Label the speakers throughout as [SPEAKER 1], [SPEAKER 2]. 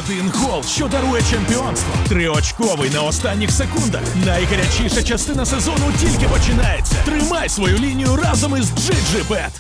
[SPEAKER 1] Один гол, що дарує чемпіонство. Триочковий на останніх секундах. Найгарячіша частина сезону тільки починається. Тримай свою лінію разом із GGBet.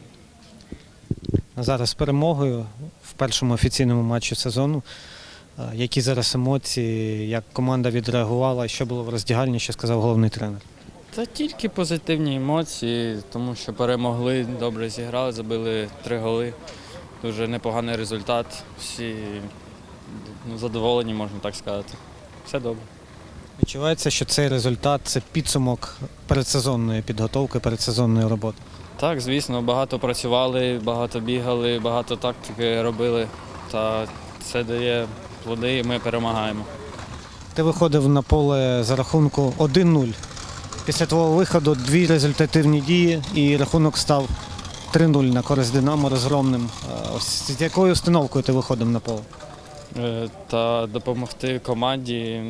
[SPEAKER 2] Зараз з перемогою в першому офіційному матчі сезону. Які зараз емоції, як команда відреагувала, що було в роздягальні, що сказав головний тренер?
[SPEAKER 3] Та тільки позитивні емоції, тому що перемогли, добре зіграли, забили 3 голи. Дуже непоганий результат. Всі задоволені, можна так сказати. Все добре.
[SPEAKER 2] Відчувається, що цей результат – це підсумок передсезонної підготовки, передсезонної роботи?
[SPEAKER 3] Так, звісно, багато працювали, багато бігали, багато тактики робили. Та це дає плоди і ми перемагаємо.
[SPEAKER 2] Ти виходив на поле за рахунку 1-0. Після твого виходу 2 результативні дії і рахунок став 3-0 на користь «Динамо» розгромним. З якою установкою ти виходив на поле?
[SPEAKER 3] Та допомогти команді,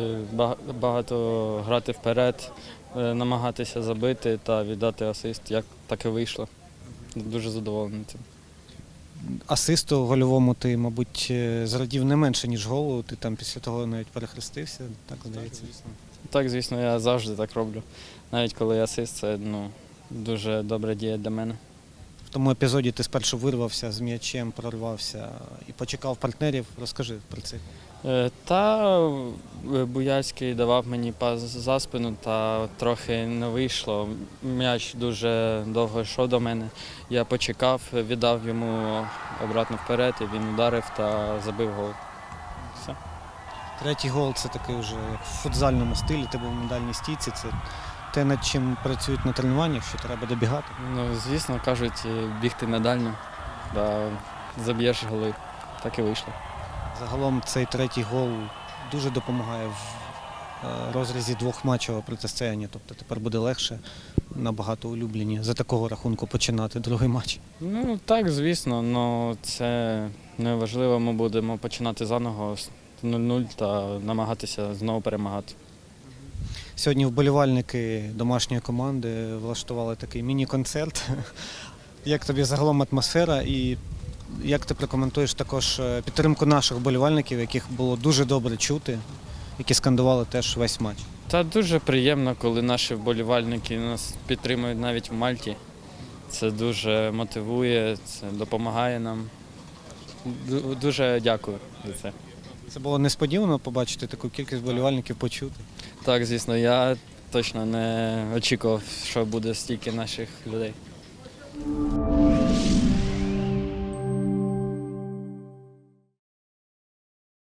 [SPEAKER 3] багато грати вперед, намагатися забити та віддати асист, як так і вийшло. Дуже задоволений цим.
[SPEAKER 2] Асисту гольовому ти, мабуть, зрадів не менше, ніж голу. Ти там після того навіть перехрестився, так здається?
[SPEAKER 3] Так, звісно, я завжди так роблю. Навіть коли асист, це дуже добра дія для мене.
[SPEAKER 2] В тому епізоді ти спершу вирвався з м'ячем, прорвався і почекав партнерів. Розкажи про це.
[SPEAKER 3] Та Буяльський давав мені пас за спину, та трохи не вийшло. М'яч дуже довго йшов до мене. Я почекав, віддав йому обратно вперед, і він ударив та забив гол. Все.
[SPEAKER 2] Третій гол – це такий вже як в футзальному стилі, ти був на дальній стійці. Це те, над чим працюють на тренуваннях, що треба добігати.
[SPEAKER 3] Звісно, кажуть, бігти на дальню, да, заб'єш голи. Так і вийшло.
[SPEAKER 2] Загалом цей третій гол дуже допомагає в розрізі двохматчевого протистояння. Тобто тепер буде легше, набагато улюблені за такого рахунку починати другий матч.
[SPEAKER 3] Так, звісно, але це не важливо. Ми будемо починати заново з 0-0 та намагатися знову перемагати.
[SPEAKER 2] Сьогодні вболівальники домашньої команди влаштували такий міні-концерт. Як тобі загалом атмосфера і як ти прокоментуєш також підтримку наших вболівальників, яких було дуже добре чути, які скандували теж весь матч?
[SPEAKER 3] Та дуже приємно, коли наші вболівальники нас підтримують навіть в Мальті. Це дуже мотивує, це допомагає нам. Дуже дякую за це.
[SPEAKER 2] Це було несподівано побачити таку кількість вболівальників, почути?
[SPEAKER 3] Так, звісно, я точно не очікував, що буде стільки наших людей.